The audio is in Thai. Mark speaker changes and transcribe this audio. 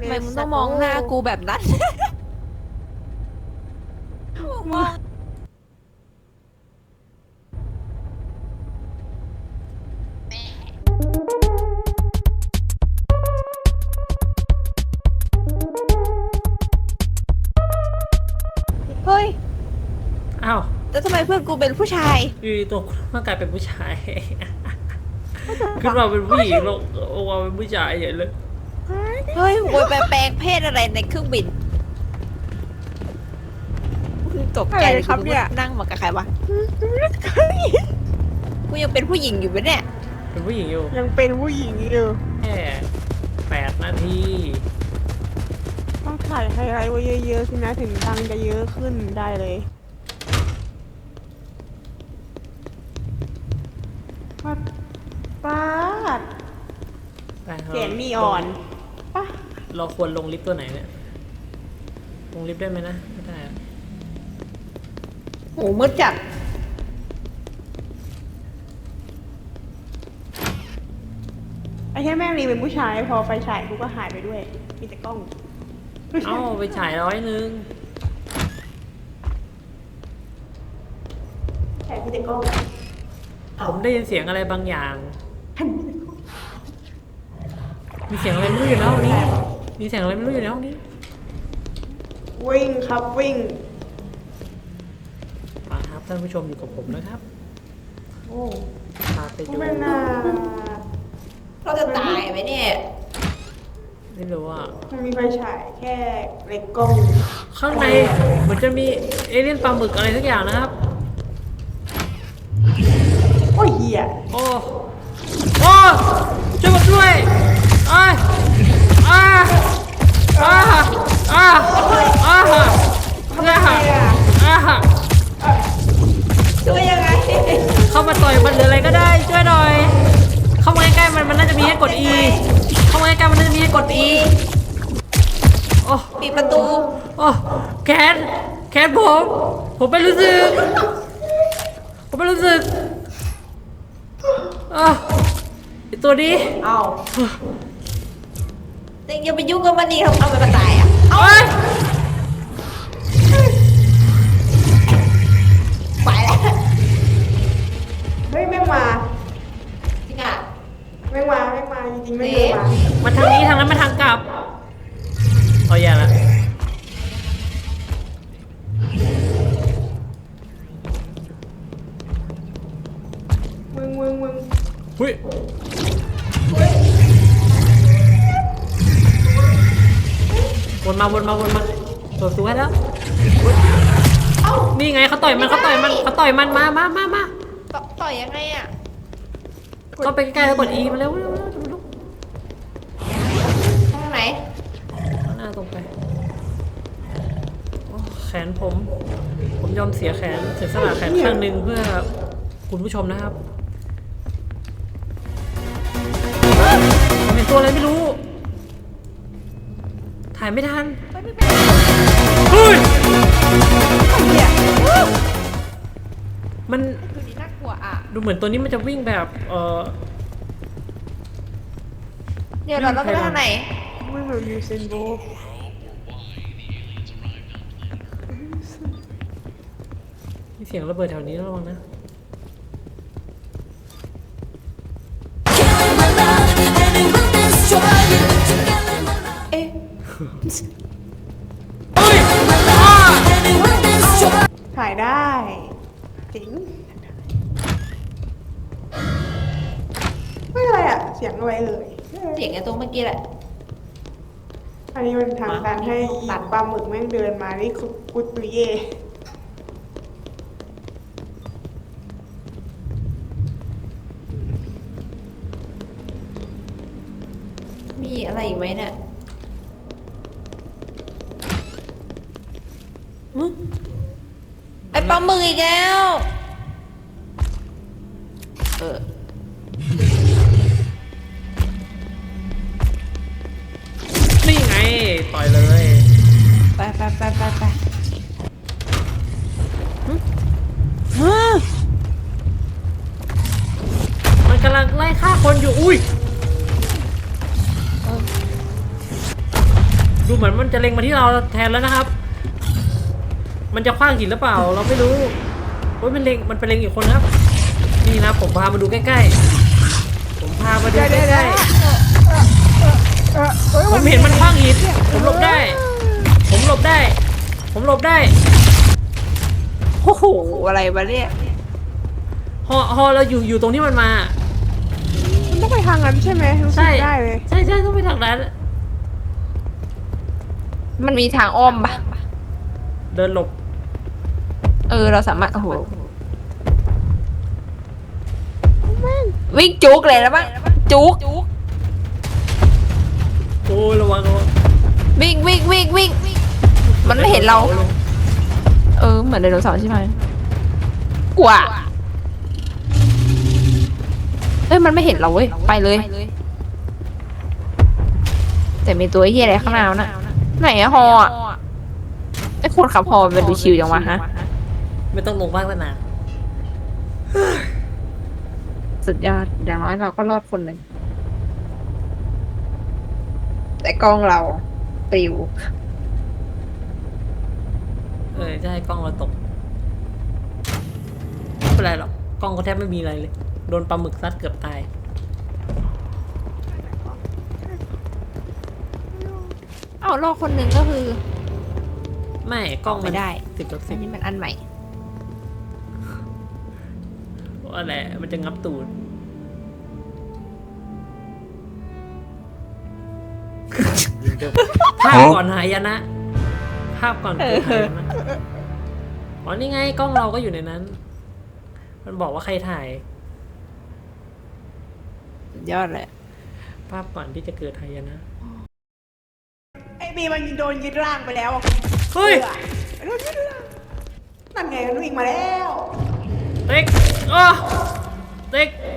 Speaker 1: ทำไมมึงต้องมองหน้ากูแบบนั้นมองเฮ้ย
Speaker 2: อ้าว
Speaker 1: แล้วทำไมเพื่อนกูเป็นผู้ชาย
Speaker 2: อยู่ตัวร่างกายเป็นผู้ชาย ขึ้นมาเป็นผู้หญิงลงออกมาเป็นผู้ชายใหญ่เลย
Speaker 1: เฮ้ยโวยไปแปลงเพศอะไรในเครื่องบินตกใจ
Speaker 3: อะไรครับเนี่ย
Speaker 1: นั่งมากับใครวะกูยังเป็นผู้หญิงอยู่ปะเนี่ย
Speaker 2: เป็นผู้หญิงอยู่
Speaker 3: ยังเป็นผู้หญิงอยู่
Speaker 2: แค่8 นาที
Speaker 3: ต้องถ่ายไฮไลท์ไว้เยอะๆสินะถึงตังค์จะเยอะขึ้นได้เลยปัดป้าด
Speaker 2: แต่
Speaker 3: เสียงนีอ่อนปะ
Speaker 2: เราควรลงลิฟต์ตัวไหนเนี่ย ลงลิฟต์ได้ไหมนะ ไม่ได้อะ
Speaker 1: โหมืดจัด
Speaker 3: ไอ้แค่แม่งรีเป็นผู้ชายพอไฟฉายกูก็หายไปด้วย มีแต่กล้อง
Speaker 2: เอ้าไปฉาย100
Speaker 3: ฉายมีแต่กล้อง
Speaker 2: ผมได้ยินเสียงอะไรบางอย่าง มีเสียงอะไรไม่รู้อยู่ในห้องนี้ มีเสียงอะไรไม่รู้อยู่ในห้องนี้
Speaker 3: วิ่งครับวิ่ง
Speaker 2: มาครับท่านผู้ชมอยู่กับผมนะครับ
Speaker 3: โอ้
Speaker 2: พาไปดู
Speaker 3: ไม่น่า
Speaker 1: เราจะตายไหมเนี่ย
Speaker 2: ไม่รู้อ่ะ
Speaker 3: มันมีไฟฉายแค่เล็กกล้อง
Speaker 2: ข้างในเหมือนจะมีเอเลี่ยนปลาหมึกอะไรสักอย่างนะครับ
Speaker 3: โอ้ยเหี้ย
Speaker 2: โอ้ โอ้ช่วยผมด้วยอ้ายอ้าอ้าอ้าอ้าอ้าอ้า
Speaker 1: ช่วยยังไง
Speaker 2: เข้ามาต่อยมันหรืออะไรก็ได้ช่วยหน่อย เข้ามาใกล้ๆมันน่าจะมีให้กด E เข้ามาใกล้ๆมันน่าจะมีให้กด E โอ้
Speaker 1: ปิดประตู
Speaker 2: โอ้แขนผมไม่รู้สึก ผมไม่รู้สึกไอตัวนี้
Speaker 1: เอาเด็กอย่าไปยุ่งกับมันดิทำมันตายอ่ะ
Speaker 2: เอ้ย
Speaker 1: ไปแล้ว
Speaker 3: เฮ้ยแม่งมา
Speaker 1: จริงอ่ะ
Speaker 3: แม่งมาจริงๆแม่งเดินมา
Speaker 2: มันทางนี้ทางนั้นมันทางกลับเอาแย่ละ
Speaker 3: มึง
Speaker 2: หุ้ยวนมาเปิดประตูให้แล้วนี่ไงเขาต่อยมันมา
Speaker 1: ต่อยยังไงอ่ะ
Speaker 2: ก็ไปใกล้ๆแล้วกด E มาเร็ว
Speaker 1: ทางไหน
Speaker 2: หน้าตรงไปโอ้แขนผมยอมเสียแขนเสียสละแขนข้างหนึ่งเพื่อคุณผู้ชมนะครับผมเห็นตัวอะไรไม่รู้ ถ่ายไม่ทันเฮ้ย
Speaker 3: เหี้ย
Speaker 2: มัน
Speaker 1: ตัวนี้น่ากลัวอ่ะ
Speaker 2: ดูเหมือนตัวนี้มันจะวิ่งแบบ
Speaker 1: เดี๋ยวเราต้องไปทางไหน
Speaker 3: มึงแบบยูเซนโบลต์
Speaker 2: มีเสียงระเบิดแถวนี้ระวังนะ
Speaker 1: เอ๊ะ
Speaker 2: เฮ้ย
Speaker 3: ถ่ายได้จริงไม่อะไรอ่ะ เสียงอะไรเลย
Speaker 1: เสียงไอ้ตรงเมื่อกี้แหละ
Speaker 3: อันนี้มันทางการให้ตัดปลาหมึกแม่งเดินมานี่คือกุตุเย่
Speaker 1: มีอะไรอีกไหมเนี่ยไอ้ปลาหมึกอีกแล้ว
Speaker 2: นี่ไงต่อยเลย
Speaker 1: ไป
Speaker 2: มันกำลังไล่ฆ่าคนอยู่อุ้ยดูเหมือนมันจะเล็งมาที่เราแทนแล้วนะครับ มันจะคว้างหินหรือเปล่าเราไม่รู้โอ้ยมันไปเล็งอีกคนครับนี่นะผมพามาดูใกล้ๆผมพามาดูใกล้ๆผมเห็นมันคว้างหินผมหลบได้ ผมหลบได้ ผมหลบได้
Speaker 1: โอ้โหอะไรวะเนี่ย
Speaker 2: ฮอเราอยู่ตรงที่มันมา
Speaker 3: มันต้องไปทางนั้นใช่ไหมรู้สึ
Speaker 2: ใช่
Speaker 3: กได้เลย
Speaker 2: ใช่ต้องไปทางนั้น
Speaker 1: มันมีทางอ้อมปะ
Speaker 2: เดินหลบ
Speaker 1: เราสามารถโอ้โหวิ่งจุกเลยแล้วมั้งจุก
Speaker 2: โอ้ยระวัง
Speaker 1: วิ่งมันไม่เห็นเรา เหมือนไดโนเสาร์ใช่ไหมกว่ามันไม่เห็นเราเว้ยไปเลย แต่มีตัวเหี้ยอะไรข้างหน้าน่ะไหนอะฮออะไอ้คนขับฮอมันดูชิวจังวะฮะ
Speaker 2: ไม่ต้องลงบ้างแล้วนะ
Speaker 1: สุดยอดอย่างน้อยเราก็รอดคนหนึ่งแต่กล้องเราปลิว
Speaker 2: จะให้กล้องเราตกไม่เป็นไรหรอกกล้องก็แทบไม่มีอะไรเลยโดนปลาหมึกซัดเกือบตาย
Speaker 1: รอดคนหนึ่งก็คือ
Speaker 2: ไม่กล้องมัน
Speaker 1: ไม่ได้
Speaker 2: 10/10
Speaker 1: อันนี้มันอันใหม่
Speaker 2: ว่าแหละมันจะงับตูด ภาพก่อนหายนะ ภาพก่อนเกิดหายนะอ๋อนี่ไงกล้องเราก็อยู่ในนั้น มันบอกว่าใครถ่าย
Speaker 1: สุดยอดเลย
Speaker 2: ภาพก่อนที่จะเกิดหายนะ
Speaker 3: ไอ้บีมันโดนยึดร่างไปแล้ว
Speaker 2: เฮ้ย
Speaker 3: โดนยึดร่างนั่นไงมันวิ่งมาแล้ว
Speaker 2: เต็กเต็ก